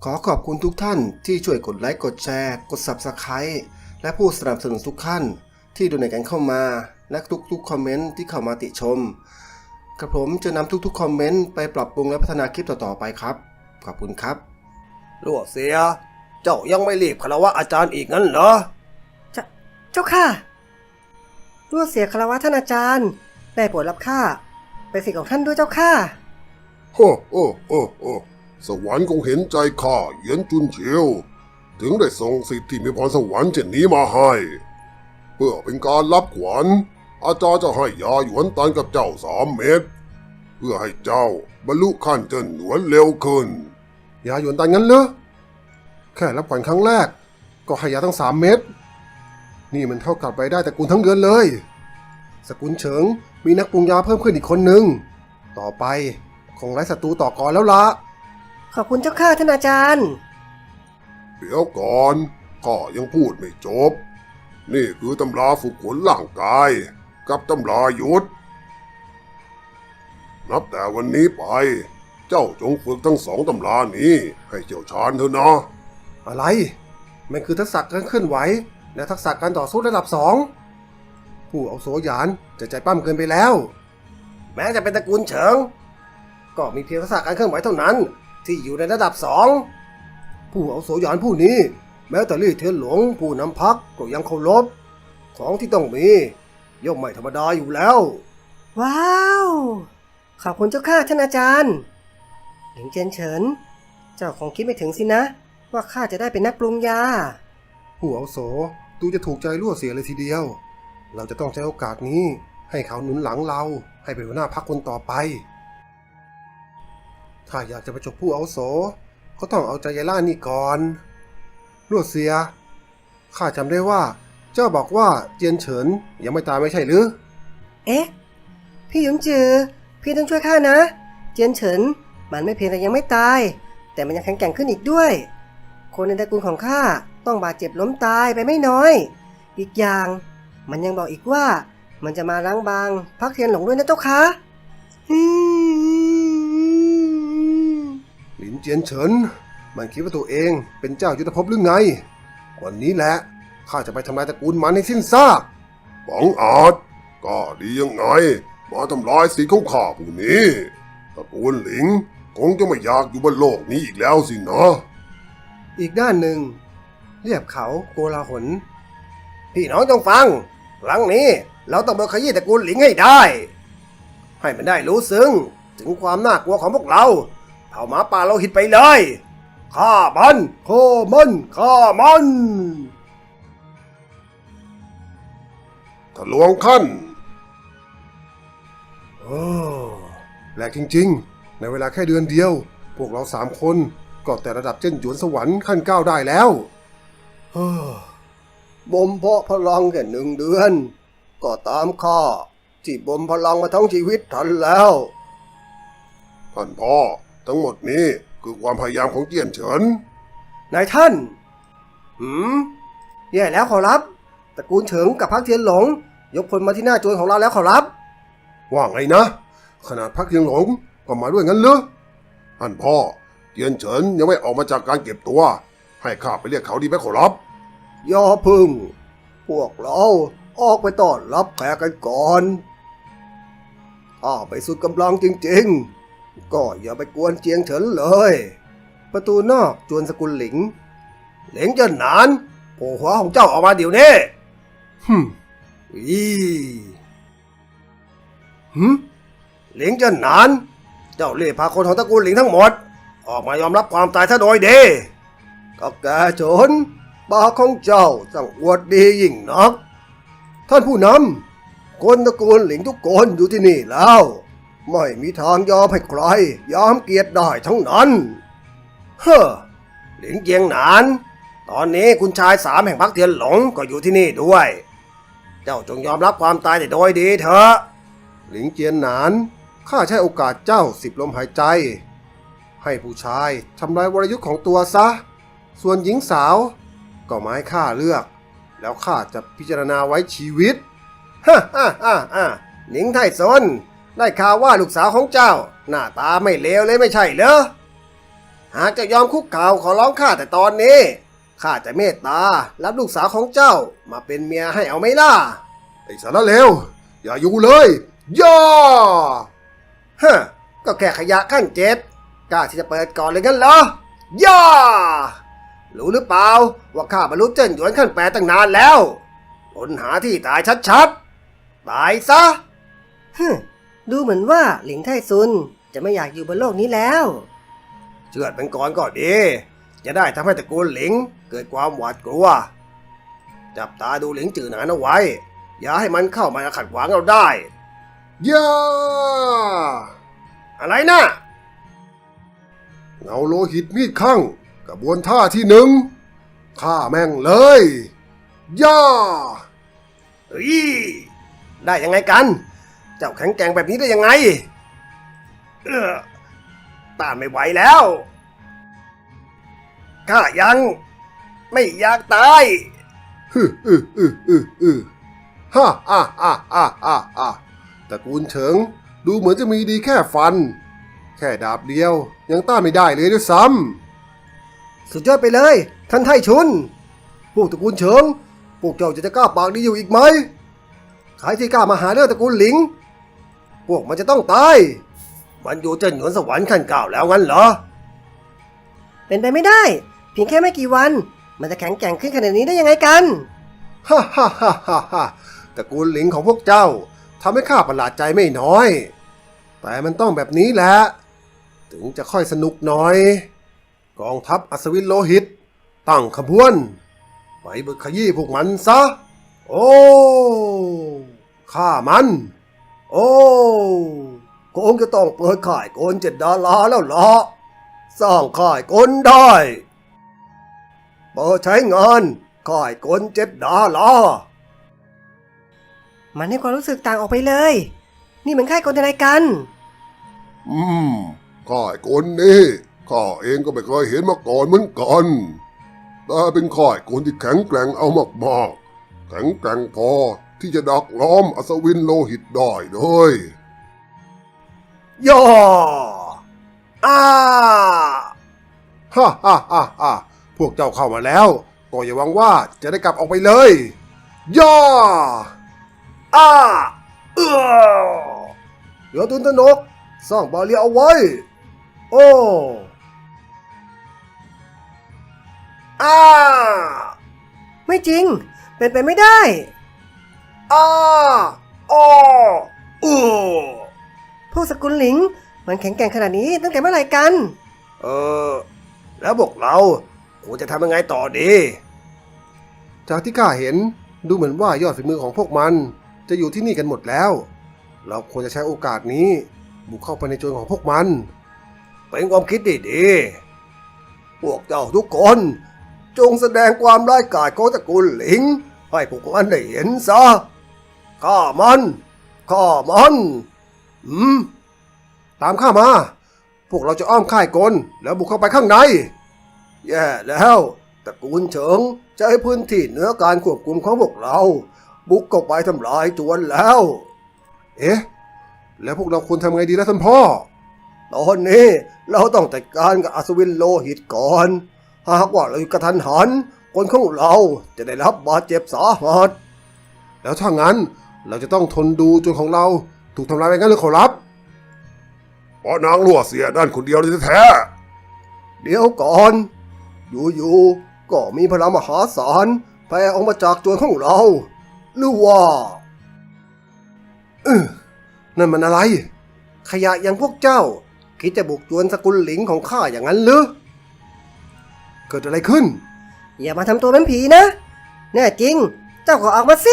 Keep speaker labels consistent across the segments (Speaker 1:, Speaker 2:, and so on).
Speaker 1: ขอขอบคุณทุกท่านที่ช่วยกดไลค์กดแชร์กด Subscribe และผู้สนับสนุนทุกท่านที่ดูในกันเข้ามาและทุกๆคอมเมนต์ที่เข้ามาติชมกระผมจะนำทุกๆคอมเมนต์ไปปรับปรุงและพัฒนาคลิปต่อๆไปครับขอบคุณครับ
Speaker 2: รั่วเสียเจ้ายังไม่รีบคารวะอาจารย์อีกงั้นเหรอ
Speaker 3: เจ้าค่ะรั่วเสียคารวะท่านอาจารย์ได้โปรดรับข้าเป็นศิษย์ของท่านด้วยเจ้าค่ะ
Speaker 4: โอ้โอ้โอ้โอ้สวรรค์คงเห็นใจข้าเหยียนจุนเฉียวถึงได้ส่งสิทธิ์ที่มีพรสวรรค์เช่นนี้มาให้เพื่อเป็นการรับขวัญอาจารย์จะให้ยาหยวนตันกับเจ้า3 เม็ดเพื่อให้เจ้าบรรลุขั้นเจิ้นหนวนเร็วขึ้น
Speaker 1: ยาหยวนตันงั้นเหรอแค่รับขวัญครั้งแรกก็ให้ยาทั้ง3 เม็ดนี่มันเท่ากับรายได้ตระกูลทั้งเดือนเลยสกุลเฉิงมีนักปรุงยาเพิ่มขึ้นอีกคนหนึ่งต่อไปคงไร้ศัตรูต่อก่อนแล้วละ
Speaker 3: ขอบคุณเจ้าค่ะท่านอาจารย์
Speaker 4: เดี๋ยวก่อนข้ายังพูดไม่จบนี่คือตำราฝึกฝนร่างกายกับตำรายุทธนับแต่วันนี้ไปเจ้าจงฝึกทั้ง2 ตำรานี้ให้เชี่ยวชาญเถอะนะ
Speaker 1: อะไรมันคือทักษะการเคลื่อนไหวและทักษะการต่อสู้ระดับ2ผู้อาวุโสหยานจะใจปั้มเกินไปแล้ว
Speaker 2: แม้จะเป็นตระกูลเฉิงก็มีเพียงทักษะการเคลื่อนไหวเท่านั้นที่อยู่ในระดับ2
Speaker 1: ผู้อาวุโสหยานผู้นี้แม้แต่ลี่เทียนหลวงผู้นำพรรคก็ยังเคารพของที่ต้องมีย่อมไม่ธรรมดาอยู่แล้ว
Speaker 3: ว้าวขอบคุณเจ้าค่ะท่านอาจารย์หลิงเจียนเฉินเจ้าคงคิดไม่ถึงสินะว่าข้าจะได้เป็นนักปรุงยา
Speaker 1: ผู้อาวุโสดูจะถูกใจรั่วเสียเลยทีเดียวเราจะต้องใช้โอกาสนี้ให้เขาหนุนหลังเราให้เป็นหัวหน้าพรรคคนต่อไปถ้าอยากจะประชดผู้อาวุโสก็ต้องเอาใจยายล่านี่ก่อนรั่วเสียข้าจำได้ว่าเจ้าบอกว่าเจียนเฉินยังไม่ตายไม่ใช่หรือ
Speaker 3: เอ๊ะพี่หยงจือพี่ต้องช่วยข้านะเจียนเฉินมันไม่เพียงแต่ยังไม่ตายแต่มันยังแข็งแกร่งขึ้นอีกด้วยคนในตระกูลของข้าต้องบาดเจ็บล้มตายไปไม่น้อยอีกอย่างมันยังบอกอีกว่ามันจะมาล้างบางพรรคเทียนหลงด้วยนะเจ้าค่ะ
Speaker 1: หลินเจียนเฉินมันคิดว่าตัวเองเป็นเจ้ายุทธภพหรือไงวันนี้แหละข้าจะไปทำลายตระกูลมันให้สิ้นซาก
Speaker 4: บังอาจก็ดียังไงมาทำลายสิทธิ์ของข้าผู้นี้ตระกูลหลิงคงจะไม่อยากอยู่บนโลกนี้อีกแล้วสินะ
Speaker 1: อีกด้านหนึ่งเรียบเขาโกลาหล
Speaker 2: พี่น้องจงฟังครั้งนี้เราต้องมาขยี้ตระกูลหลิงให้ได้ให้มันได้รู้ซึ้งถึงความน่ากลัวของพวกเราเผ่าหมาป่าเราหิดไปเลยฆ่ามันฆ่ามันฆ่ามัน
Speaker 4: ทะลวงขั้น
Speaker 1: แปลกจริงๆในเวลาแค่เดือนเดียวพวกเรา3 คนก็แต่ระดับเจิ้นหยวนสวรรค์ขั้น9ได้แล้ว
Speaker 2: บ่มเพาะพลังแค่1 เดือนก็ตามข้าที่บ่มพลังมาทั้งชีวิตทันแล้ว
Speaker 4: ท่านพ่อทั้งหมดนี้คือความพยายามของเจียนเฉิน
Speaker 2: นายท่านแย่แล้วขอรับตระกูลเฉิงกับพรรคเทียนหลงยกพลมาที่หน้าจวนของเราแล้วขอรับ
Speaker 1: ว่าไงนะขนาดพรรคเทียนหลงก็มาด้วยงั้นเหรอ
Speaker 4: ท่านพ่อเจียนเฉินยังไม่ออกมาจากการเก็บตัวให้ข้าไปเรียกเขาดีไหมขอรับ
Speaker 2: อย่าพึ่งพวกเราออกไปต้อนรับแขกกันก่อนถ้าไปสุดกำลังจริงๆก็อย่าไปกวนเจียงเฉินเลย
Speaker 1: ประตูนอกจวนสกุลหลิง
Speaker 2: เจิ้นหนานโผล่หัวของเจ้าออกมาเดี๋ยวนี้หลิงเจิ้นหนานเจ้าเรียกพาคนของตระกูลหลิงทั้งหมดออกมายอมรับความตายซะโดยดีก็แกชนปากของเจ้าสั่งอวดดียิ่งนักท่านผู้นำคนตระกูลหลิงทุกคนอยู่ที่นี่แล้วไม่มีทางยอมให้ใครยอมเกียรติได้ทั้งนั้นหลิงเจียงหนานตอนนี้คุณชาย3แห่งพรรคเทียนหลงก็อยู่ที่นี่ด้วยเจ้าจงยอมรับความตายแต่โดยดีเถอะ
Speaker 1: หลิงเจียนหนานข้าใช้โอกาสเจ้า10 ลมหายใจให้ผู้ชายทำลายวรยุทธ์ของตัวซะส่วนหญิงสาวก็มาให้ข้าเลือกแล้วข้าจะพิจารณาไว้ชีวิต
Speaker 2: หนิงไทซนได้ข่าวว่าลูกสาวของเจ้าหน้าตาไม่เลวเลยไม่ใช่เหรอหากจะยอมคุกเข่าขอร้องข้าแต่ตอนนี้ข้าจะเมตตารับลูกสาวของเจ้ามาเป็นเมียให้เอาไหมล่ะ
Speaker 4: ไอ้สารเลวอย่าอยู่เลย ย่า
Speaker 2: ฮะก็แค่ขยะขั้นเจ็ดกล้าที่จะเปิดก่อนเลยงั้นเหรอย่ารู้หรือเปล่าว่าข้าบรรลุเจิ้นหยวนขั้นแปดตั้งนานแล้วค้นหาที่ตายชัดๆตายซะ
Speaker 3: ฮึมดูเหมือนว่าหลิงไทซุนจะไม่อยากอยู่บนโลกนี้แล้ว
Speaker 2: เชื่อดเป็นก่อนก็ดี จะได้ทำให้ตระกูลหลิงเกิดความหวาดกลัว จับตาดูหลิงจือหนานเอาไว้ อย่าให้มันเข้ามาขัดขวางเราได้
Speaker 4: ย่า
Speaker 2: อะไรนะ
Speaker 4: เงาโลหิตมีดข้างกระบวนท่าที่1ฆ่าแม่งเลย ย่า
Speaker 2: เฮ้ยได้ยังไงกัน เจ้าแข็งแกร่งแบบนี้ได้ยังไงต้านไม่ไหวแล้วข้ายังไม่อยากตาย
Speaker 4: ฮ่าตระกูลเฉิงดูเหมือนจะมีดีแค่ฟัน แค่ดาบเดียวยังต้านไม่ได้เลยด้วยซ้
Speaker 2: สุดยอดไปเลย ท่านไทชุนพวกตระกูลเฉิงพวกเจ้าจะกล้าปากดีอยู่อีกไหมใครที่กล้ามาหาเรื่องตระกูลหลิง พวกมันจะต้องตาย มันอยู่เจิ้นหยวนสวรรค์ขั้นเก้าแล้วงั้นเหรอ
Speaker 3: เป็นไปไม่ได้ เพียงแค่ไม่กี่วัน มันจะแข็งแกร่งขึ้นขนาดนี้ได้ยังไงกัน
Speaker 2: ฮ่าตระกูลหลิงของพวกเจ้าทำให้ข้าประหลาดใจไม่น้อย แต่มันต้องแบบนี้แหละ ถึงจะค่อยสนุกหน่อย กองทัพอัศวินโลหิต ตั้งขบวน ไปบึกขยี้พวกมันซะ โอ้ฆ่ามัน โอ้คงจะต้องเปิดข่ายโกน7 ดาราแล้วล่ะสร้างข่ายโกนได้เปิดใช้งานข่ายโกน7 ดารา
Speaker 3: มันให้ความรู้สึกต่างออกไปเลย นี่มันค่ายกลอะไรกัน
Speaker 4: ำข้าไอ้คนนี้ข้าเองก็ไม่เคยเห็นมาก่อนเหมือนกัน แต่เป็นข้าไอ้คนที่แข็งแกร่งเอามากๆ แข็งแกร่งพอที่จะดักล้อมอัศวินโลหิตได้เลย
Speaker 2: ย่ออ้า
Speaker 4: พวกเจ้าเข้ามาแล้วก็อย่าหวังว่าจะได้กลับออกไปเลย ย่า
Speaker 2: อ้าเดี๋ยวตุนตนกสร้างบาเรียเอาไว้ โอ้อ้า
Speaker 3: ไม่จริง เป็นไปไม่ได้
Speaker 2: อ้าอ้ออู้
Speaker 3: พวกสกุลหลิง มันแข็งแกร่งขนาดนี้ตั้งแต่เมื่อไหร่กัน
Speaker 2: แล้วพวกเราควรจะทำยังไงต่อดี
Speaker 1: จากที่ข้าเห็นดูเหมือนว่ายอดฝีมือของพวกมันจะอยู่ที่นี่กันหมดแล้ว เราควรจะใช้โอกาสนี้บุกเข้าไปในโจรของพวกมัน
Speaker 2: เป็นความคิดดีๆพวกเจ้าทุกคน จงแสดงความร้ายกาจของตระกูลหลิง ให้พวกมันได้เห็นซะฆ่ามัน
Speaker 1: ตามข้ามา พวกเราจะอ้อมค่ายกลแล้วบุกเข้าไปข้างใน
Speaker 2: แย่แล้วตระกูลเฉิงจะให้พื้นที่เหนือการควบคุมของพวกเรา บุกเข้าไปทำลายจวนแล้ว
Speaker 1: เอ๊ะ แล้วพวกเราควรทำไงดีล่ะท่านพ่อ
Speaker 2: ตอนนี้เราต้องจัดการกับอัศวินโลหิตก่อน หากว่าเราอยู่กระทันหันคนของเราจะได้รับบาดเจ็บสาหัส
Speaker 1: แล้วถ้างั้นเราจะต้องทนดูจนของเราถูกทำลายไปงั้นหรือขอรับ
Speaker 4: เพราะนางลั่วเสียด้านคนเดียวเลยแท้
Speaker 2: เดี๋ยวก่อน อยู่ๆก็มีพลังมหาศาลแผ่ออกมาจากจวนของเรา หรือว่า
Speaker 1: นั่นมันอะไร
Speaker 2: ขยะอย่างพวกเจ้า คิดจะบุกจวนสกุลหลิงของข้าอย่างนั้นหรือ
Speaker 1: เกิดอะไรขึ้น
Speaker 3: อย่ามาทำตัวเป็นผีนะ แน่จริง เจ้าก็ออกมาสิ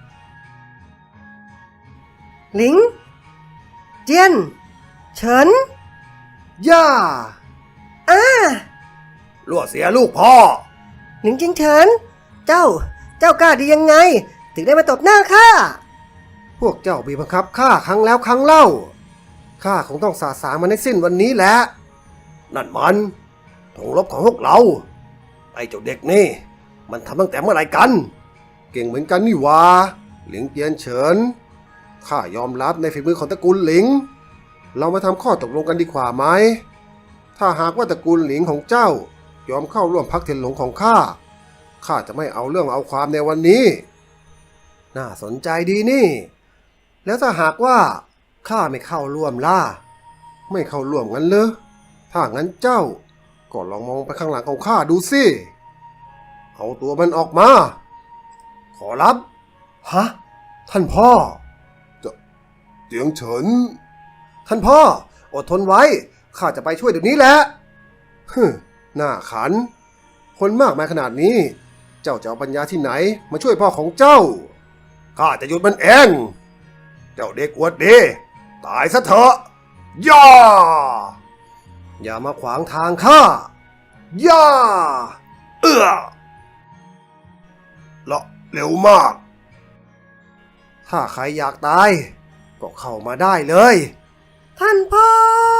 Speaker 3: หลิง เจียน เฉิน
Speaker 2: ย่า
Speaker 3: อ้า
Speaker 2: ลั่วเสียลูกพ่อ
Speaker 3: หลิงจิงเฉิน เจ้ากล้าดียังไง ถึงได้มาตบหน้าข้า
Speaker 1: พวกเจ้าบีบบังคับข้าครั้งแล้วครั้งเล่า ข้าคงต้องสาสางมันให้สิ้นวันนี้แหละ
Speaker 2: นั่นมันธงรบของพวกเรา ไอ้เจ้าเด็กนี่ มันทำตั้งแต่เมื่อไหร่กัน
Speaker 1: เก่งเหมือนกันนี่หวาหลิงเจียนเฉิน ข้ายอมรับในฝีมือของตระกูลหลิง เรามาทำข้อตกลงกันดีกว่าไหมถ้าหากว่าตระกูลหลิงของเจ้ายอมเข้าร่วมพรรคเทียนหลงของข้า ข้าจะไม่เอาเรื่องเอาความในวันนี้ น่าสนใจดีนี่ แล้วถ้าหากว่าข้าไม่เข้าร่วมล่ะ ไม่เข้าร่วมงั้นเหรอถ้างั้นเจ้าก็ลองมองไปข้างหลังของข้าดูสิ เอาตัวมันออกมา ขอรับ ฮะ ท่านพ่อ
Speaker 4: เจียงเฉิน
Speaker 1: ท่านพ่อ อดทนไว้ ข้าจะไปช่วยเดี๋ยวนี้แหละฮึหน้าขัน คนมากมายขนาดนี้ เจ้าจะเอาปัญญาที่ไหนมาช่วยพ่อของเจ้า
Speaker 2: ข้าจะหยุดมันเอง เจ้าเด็กอวดดีตายซะเถอะย่า
Speaker 1: อย่ามาขวางทางข้า ย่า
Speaker 2: เอื้อละเร็วมาก
Speaker 1: ถ้าใครอยากตาย ก็เข้ามาได้เลย
Speaker 3: ท่านพ่อ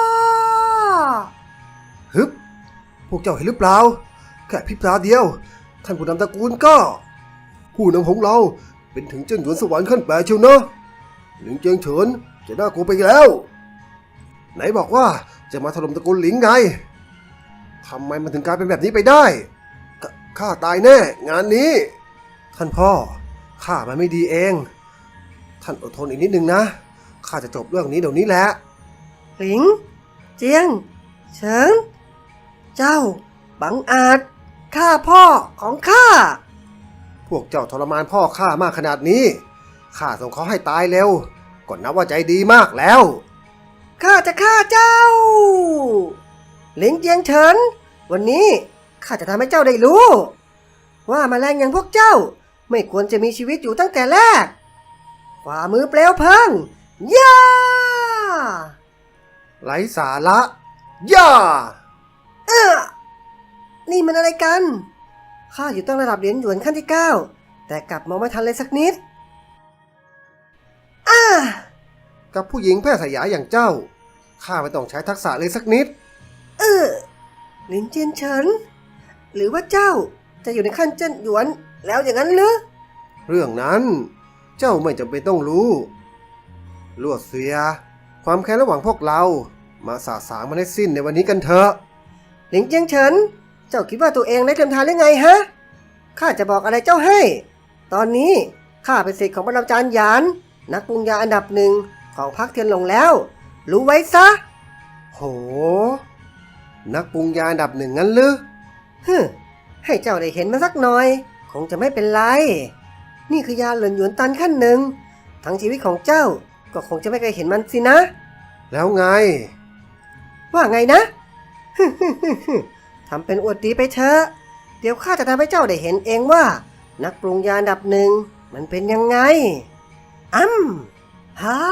Speaker 1: ฮึบ พวกเจ้าเห็นหรือเปล่า แค่พริบตาเดียว ท่านผู้นำตระกูลก็ ผู้นำของเราเป็นถึงเจิ้นหยวนสวรรค์ขั้นแปดเชียวนะหลิงเจียงเฉินจะน่ากลัวไปแล้ว ไหนบอกว่าจะมาถล่มตระกูลหลิงไงทำไมมันถึงกลายเป็นแบบนี้ไปได้ข้าตายแน่ งานนี้ ท่านพ่อข้ามันไม่ดีเอง ท่านอดทนอีกนิดนึงนะข้าจะจบเรื่องนี้เดี๋ยวนี้แหละ
Speaker 3: หลิง เจียง เฉิง เจ้า บังอาจฆ่าพ่อของข้า
Speaker 1: พวกเจ้าทรมานพ่อข้ามากขนาดนี้ ข้าส่งเขาให้ตายเร็วก็นับว่าใจดีมากแล้ว
Speaker 3: ข้าจะฆ่าเจ้า หลิงเจียงเฉิน วันนี้ข้าจะทำให้เจ้าได้รู้ ว่าแมลงอย่างพวกเจ้า ไม่ควรจะมีชีวิตอยู่ตั้งแต่แรก ฝ่ามือเปลวเพลิง ย่า
Speaker 1: ไร้สาระ ย่า
Speaker 3: นี่มันอะไรกัน ข้าอยู่ตั้งระดับเหรียญหยวนขั้นที่ 9 แต่กลับมองไม่ทันเลยสักนิด
Speaker 1: กับผู้หญิงแพร่สยายอย่างเจ้า ข้าไม่ต้องใช้ทักษะเลยสักนิด
Speaker 3: หลินเจียนเฉิน หรือว่าเจ้าจะอยู่ในขั้นเจิ้นหยวนแล้วอย่างนั้นหรือ
Speaker 1: เรื่องนั้นเจ้าไม่จำเป็นต้องรู้ลวดเสีย ความแค้นระหว่างพวกเรา มาสาสางมันให้สิ้นในวันนี้กันเถอะ
Speaker 3: หลิงเจียงเฉิน เจ้าคิดว่าตัวเองได้เทียมทานหรือไงฮะ ข้าจะบอกอะไรเจ้าให้ ตอนนี้ข้าเป็นศิษย์ของปรมาจารย์หยาน นักปรุงยาอันดับหนึ่งของพรรคเทียนหลงแล้ว รู้ไว้ซะ
Speaker 1: โห นักปรุงยาอันดับหนึ่งงั้นหรือ
Speaker 3: ให้เจ้าได้เห็นมันสักหน่อย คงจะไม่เป็นไร นี่คือยาเหลินหยวนตันขั้นหนึ่ง ทั้งชีวิตของเจ้าก็คงจะไม่เคยเห็นมันสินะ
Speaker 1: แล้วไง
Speaker 3: ว่าไงนะ ทำเป็นอวดดีไปเถอะ เดี๋ยวข้าจะทำให้เจ้าได้เห็นเองว่า นักปรุงยาอันดับหนึ่งมันเป็นยังไงฮ่า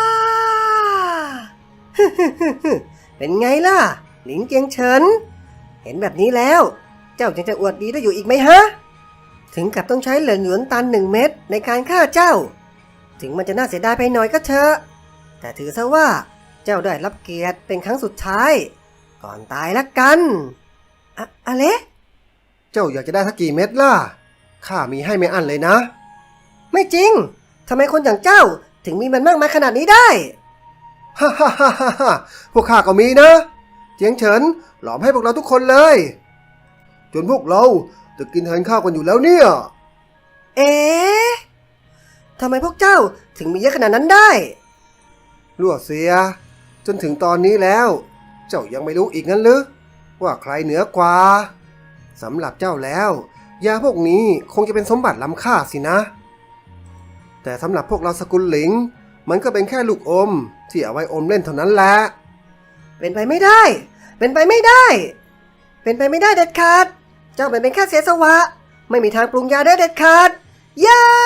Speaker 3: เป็นไงล่ะ หลิงเจียงเฉิน เห็นแบบนี้แล้ว เจ้ายังจะอวดดีได้อยู่อีกไหมฮะ ถึงกับต้องใช้เหรินหยวนตัน1 เม็ดในการฆ่าเจ้า ถึงมันจะน่าเสียดายไปหน่อยก็เถอะ แต่ถือซะว่าเจ้าได้รับเกียรติเป็นครั้งสุดท้าย ก่อนตายละกันอะไร
Speaker 1: เจ้าอยากจะได้สักกี่เม็ดล่ะ ข้ามีให้ไม่อั้นเลยนะ
Speaker 3: ไม่จริง ทำไมคนอย่างเจ้าถึงมีมันมากมายขนาดนี้ได้
Speaker 1: ฮ่าฮ่าฮ่าฮ่าพวกข้าก็มีนะ เจียงเฉินหลอมให้พวกเราทุกคนเลย จนพวกเราจะกินแทนข้าวกันอยู่แล้วเนี่ย
Speaker 3: เอ๊ะทำไมพวกเจ้าถึงมีเยอะขนาดนั้นได้
Speaker 1: รั่วเสีย จนถึงตอนนี้แล้ว เจ้ายังไม่รู้อีกงั้นหรือว่าใครเหนือกว่าสำหรับเจ้าแล้วยาพวกนี้คงจะเป็นสมบัติล้ำค่าสินะ แต่สำหรับพวกเราสกุลหลิง มันก็เป็นแค่ลูกอมที่เอาไว้อมเล่นเท่านั้นแหละ
Speaker 3: เป็นไปไม่ได้ เป็นไปไม่ได้ เป็นไปไม่ได้เด็ดขาด เจ้าเป็นแค่เสียสวะ ไม่มีทางปรุงยาได้เด็ดขาด ย่า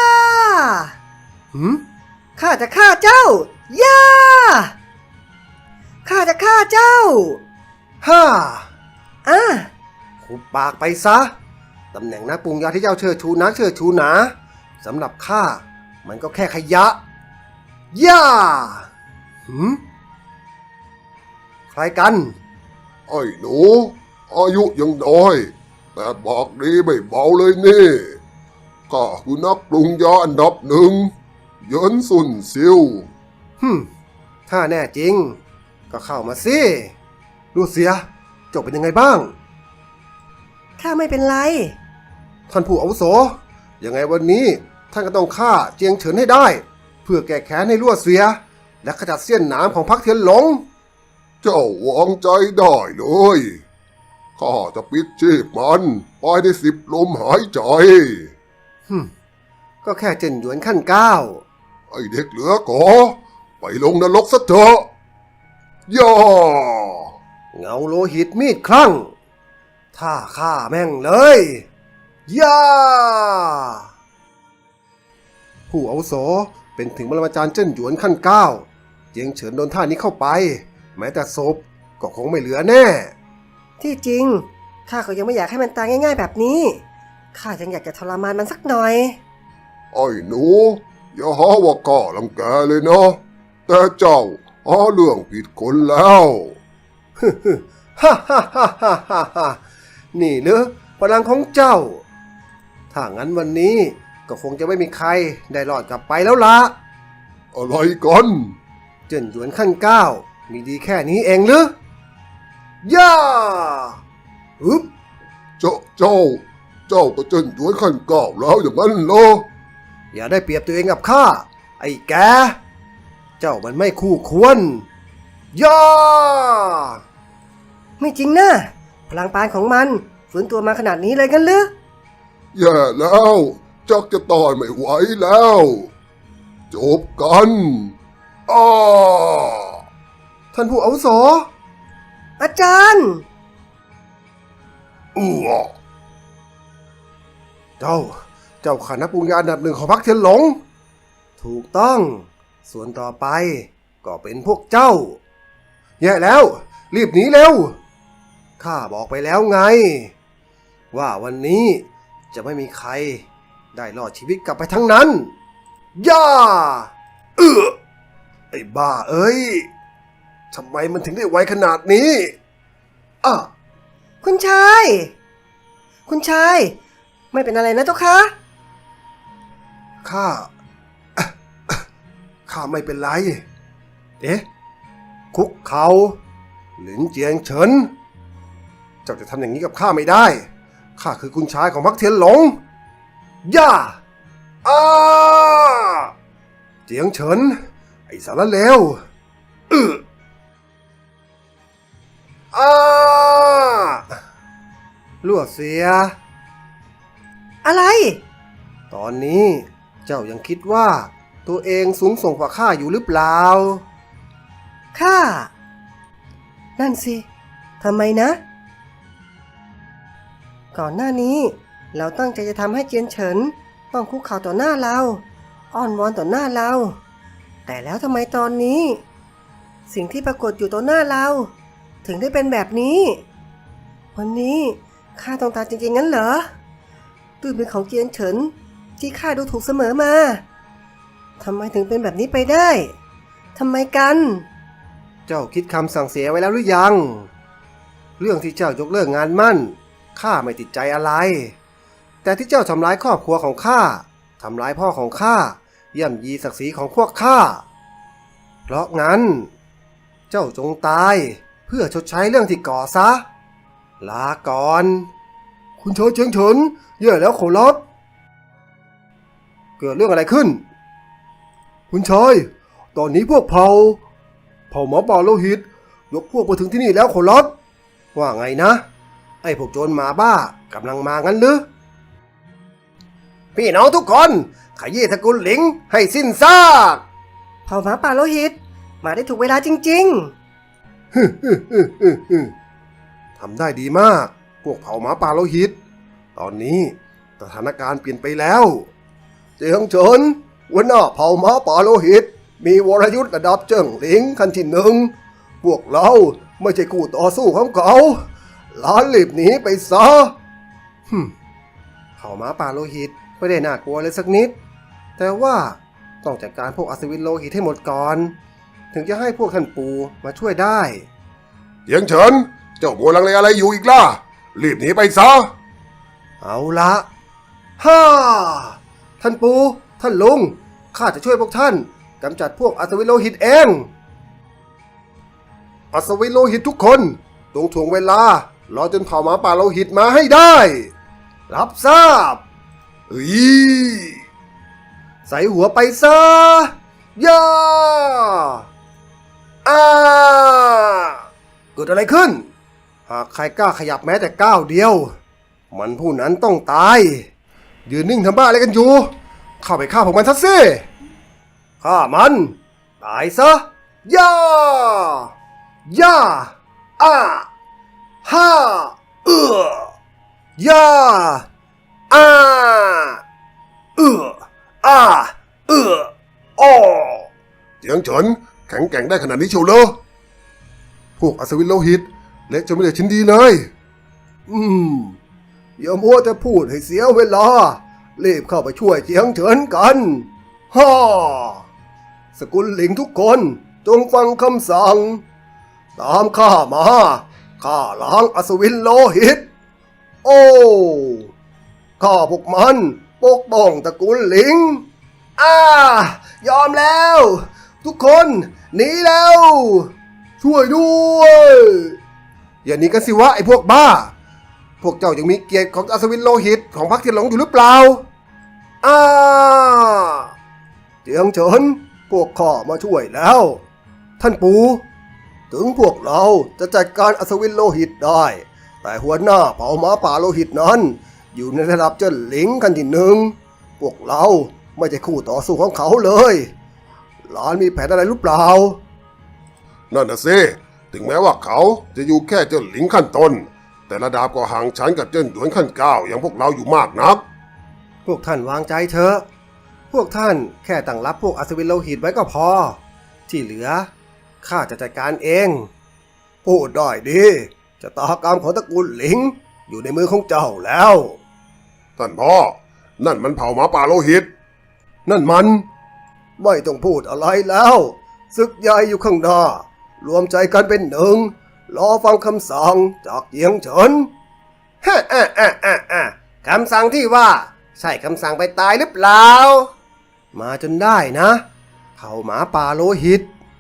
Speaker 3: ข้าจะฆ่าเจ้า ย่า ข้าจะฆ่าเจ้า
Speaker 1: ฮ่า
Speaker 3: อ่ะ
Speaker 1: หุบปากไปซะ ตำแหน่งนักปรุงยาที่เจ้าเชิดชูนักเชิดชูหนาสำหรับข้ามันก็แค่ขยะ ย่า ใครกัน
Speaker 4: ไอ้หนู อายุยังน้อย แต่บอกดีไม่เบาเลยนี่ข้าคือนักปรุงยาอันดับหนึ่งเหยินซุนซิว
Speaker 1: ถ้าแน่จริง ก็เข้ามาสิลูเสียาเป็นยังไงบ้าง
Speaker 3: ข้าไม่เป็นไร
Speaker 1: ท่านผู้อาวุโสยังไงวันนี้ท่านก็ต้องฆ่าเจียงเฉินให้ได้ เพื่อแก้แค้นให้ลั่วเสีย และขจัดเสี้ยนหนามของพรรคเทียนหลง
Speaker 4: เจ้าวางใจได้เลย ข้าจะปิดชีพมันภายใน10 ลมหายใจ
Speaker 1: ก็แค่เจนหยวนขั้น 9
Speaker 4: ไอเด็กเหลือก่อไปลงนรกซะเถอะย่า
Speaker 1: เงาโลหิตมีดคลั่งท่าฆ่าแม่งเลยย่าผู้อาวุโสเป็นถึงปรมาจารย์เจิ้นหยวนขั้น 9 เจียงเฉินโดนท่านี้เข้าไป แม้แต่ศพก็คงไม่เหลือแน่
Speaker 3: ที่จริงข้าก็ยังไม่อยากให้มันตายง่ายๆแบบนี้ข้ายังอยากจะทรมานมันสักหน่อย
Speaker 4: ไอ้หนูอย่าหาว่าข้ารังแกเลยนะแต่เจ้าหาเรื่องผิดคนแล้ว
Speaker 1: ฮ่าฮ่าฮ่าฮ่าฮ่าฮ่านี่หรือพลังของเจ้า ถ้างั้นวันนี้ก็คงจะไม่มีใครได้รอดกลับไปแล้วละ
Speaker 4: อะไรกัน
Speaker 1: เจิ้นหยวนขั้น 9 มีดีแค่นี้เองหรือย่าฮึบ
Speaker 4: เจ้าก็เจนหยวนขั้น 9แล้วอย่างนั้นเหรอ
Speaker 1: อย่าได้เปรียบตัวเองกับข้า ไอ้แก เจ้ามันไม่คู่ควร ย่า
Speaker 3: ไม่จริงนะพลังปานของมันฝืนตัวมาขนาดนี้เลยกันหรือ
Speaker 4: แย่แล้วจักจะต่อยไม่ไหวแล้วจบกันอ้า
Speaker 1: ท่านผู้อาวุโส
Speaker 3: อาจารย์
Speaker 4: อ้ว
Speaker 1: เจ้าขานักปรุงยาอันดับ 1ของพรรคเทียนหลง ถูกต้อง ส่วนต่อไปก็เป็นพวกเจ้า แย่แล้ว รีบหนีเร็ว ข้าบอกไปแล้วไง ว่าวันนี้จะไม่มีใครได้รอดชีวิตกลับไปทั้งนั้น ย่าไอ้บ้าเอ้ย ทำไมมันถึงได้ไวขนาดนี้อ่ะ
Speaker 3: คุณชาย คุณชาย ไม่เป็นอะไรนะเจ้าคะ
Speaker 1: ข้า ข้าไม่เป็นไร เอ๊ะ คุกเขาหลินเจียงเฉิน เจ้าจะทำอย่างนี้กับข้าไม่ได้ ข้าคือคุณชายของพรรคเทียนหลง ย่าอ้าเจียงเฉิน ไอ้สารเลวอ้าลั่วเสีย
Speaker 3: อะไร
Speaker 1: ตอนนี้เจ้ายังคิดว่าตัวเองสูงส่งกว่าข้าอยู่หรือเปล่า
Speaker 3: ข้า นั่นสิ ทำไมนะ ก่อนหน้านี้เราตั้งใจจะทำให้เจียนเฉินต้องคุกเข่าต่อหน้าเรา อ้อนวอนต่อหน้าเรา แต่แล้วทำไมตอนนี้ สิ่งที่ปรากฏอยู่ต่อหน้าเรา ถึงได้เป็นแบบนี้ วันนี้ข้าต้องตายจริงๆงั้นเหรอด้วยมือของเจียนเฉินที่ข้าดูถูกเสมอมาทำไมถึงเป็นแบบนี้ไปได้ทำไมกัน
Speaker 1: เจ้าคิดคำสั่งเสียไว้แล้วหรือยัง เรื่องที่เจ้ายกเลิกงานมั่นข้าไม่ติดใจอะไร แต่ที่เจ้าทำร้ายครอบครัวของข้าทำร้ายพ่อของข้าย่ำยีศักดิ์ศรีของพวกข้าเพราะงั้น เจ้าจงตายเพื่อชดใช้เรื่องที่ก่อซะ ลาก่อน คุณชายเจียงเฉินแย่แล้วขอรับ เกิดเรื่องอะไรขึ้น คุณชายตอนนี้พวกเผ่าหมอป่าโลหิตยกพวกมาถึงที่นี่แล้วขอรับ ว่าไงนะ ไอ้พวกโจรหมาบ้ากำลังมางั้นหรือ พี่น้องทุกคนขยี้ตระกูลหลิงให้สิ้นซาก
Speaker 3: เผ่าหมาป่าโลหิตมาได้ถูกเวลาจริง
Speaker 1: ทำได้ดีมาก พวกเผ่าหมาป่าโลหิต ตอนนี้สถานการณ์เปลี่ยนไปแล้ว เจียงเฉินหัวหน้าเผ่าหมาป่าโลหิต มีวรยุทธ์ระดับเจิ้งหลิงขั้นที่ 1 พวกเราไม่ใช่คู่ต่อสู้ของเขาล้านรีบหนีไปซะเผ่าหมาป่าโลหิตไม่ได้น่ากลัวเลยสักนิด แต่ว่าต้องจัดการพวกอัศวินโลหิตให้หมดก่อน ถึงจะให้พวกท่านปู่มาช่วยได้
Speaker 4: เจียงเฉินเจ้ามัวลังเลอะไรอยู่อีกล่ะรีบหนีไปซะ
Speaker 1: เอาละฮ่าท่านปู่ท่านลุงข้าจะช่วยพวกท่านกำจัดพวกอัศวินโลหิตเอง อัศวินโลหิตทุกคน ตตรงถ่วงเวลารอจนเผ่าหมาป่าโลหิตมาให้ได้ รับทราบ
Speaker 4: เฮ้ย
Speaker 1: ใส่หัวไปซะย่าอาเกิดอะไรขึ้น หากใครกล้าขยับแม้แต่ก้าวเดียว มันผู้นั้นต้องตาย ยืนนิ่งทำบ้าอะไรกันอยู่ เข้าไปฆ่าพวกมันซะสิฆ่ามัน ตายซะย่าย่าอาฮ่าย่าอาอาอ้อ
Speaker 4: เจียงเฉินแข็งแกร่งได้ขนาดนี้เชียวเหรอพวกอัศวินโลหิตเละจนไม่ได้ชิ้นดีเลย
Speaker 1: อย่ามัวแต่พูดให้เสียเวลา รีบเข้าไปช่วยเจียงเฉินกันฮ่าสกุลหลิงทุกคนจงฟังคำสั่ง ตามข้ามาข้าล้างอัศวินโลหิต โอ้ข้าพวกมันปกป้องตระกูลหลิงยอมแล้ว ทุกคนหนีแล้ว ช่วยด้วย อย่าหนีกันสิวะไอ้พวกบ้า พวกเจ้ายังมีเกียรติของอัศวินโลหิตของพรรคเทียนหลงอยู่หรือเปล่าเจียงเฉินพวกข้ามาช่วยแล้ว ท่านปู่ถึงพวกเราจะจัดการอัศวินโลหิตได้ แต่หัวหน้าเผ่าหมาป่าโลหิตนั้นอยู่ในระดับเจ้าหลิงกันที่หนึ่ง พวกเราไม่ใช่คู่ต่อสู้ของเขาเลย หลานมีแผนอะไรหรือเปล่า
Speaker 4: นั่นน่ะสิถึงแม้ว่าเขาจะอยู่แค่เจ้าหลิงขั้นต้นแต่ระดับก็ห่างชั้นกับเจ้าหยวนขั้นเก้าอย่างพวกเราอยู่มากนัก
Speaker 1: พวกท่านวางใจเถอะ พวกท่านแค่ตั้งรับพวกอัศวินโลหิตไว้ก็พอ ที่เหลือข้าจะจัดการเอง พูดได้ดีชะตากรรมของตระกูลหลิงอยู่ในมือของเจ้าแล้ว
Speaker 4: ท่านพ่อนั่นมันเผ่าหมาป่าโลหิต
Speaker 1: นั่นมัน ไม่ต้องพูดอะไรแล้วศึกใหญ่อยู่ข้างหน้ารวมใจกันเป็นหนึ่งรอฟังคำสั่งจากเจียงเฉินคำสั่งที่ว่าใช่คำสั่งไปตายหรือเปล่า มาจนได้นะเผ่าหมาป่าโลหิต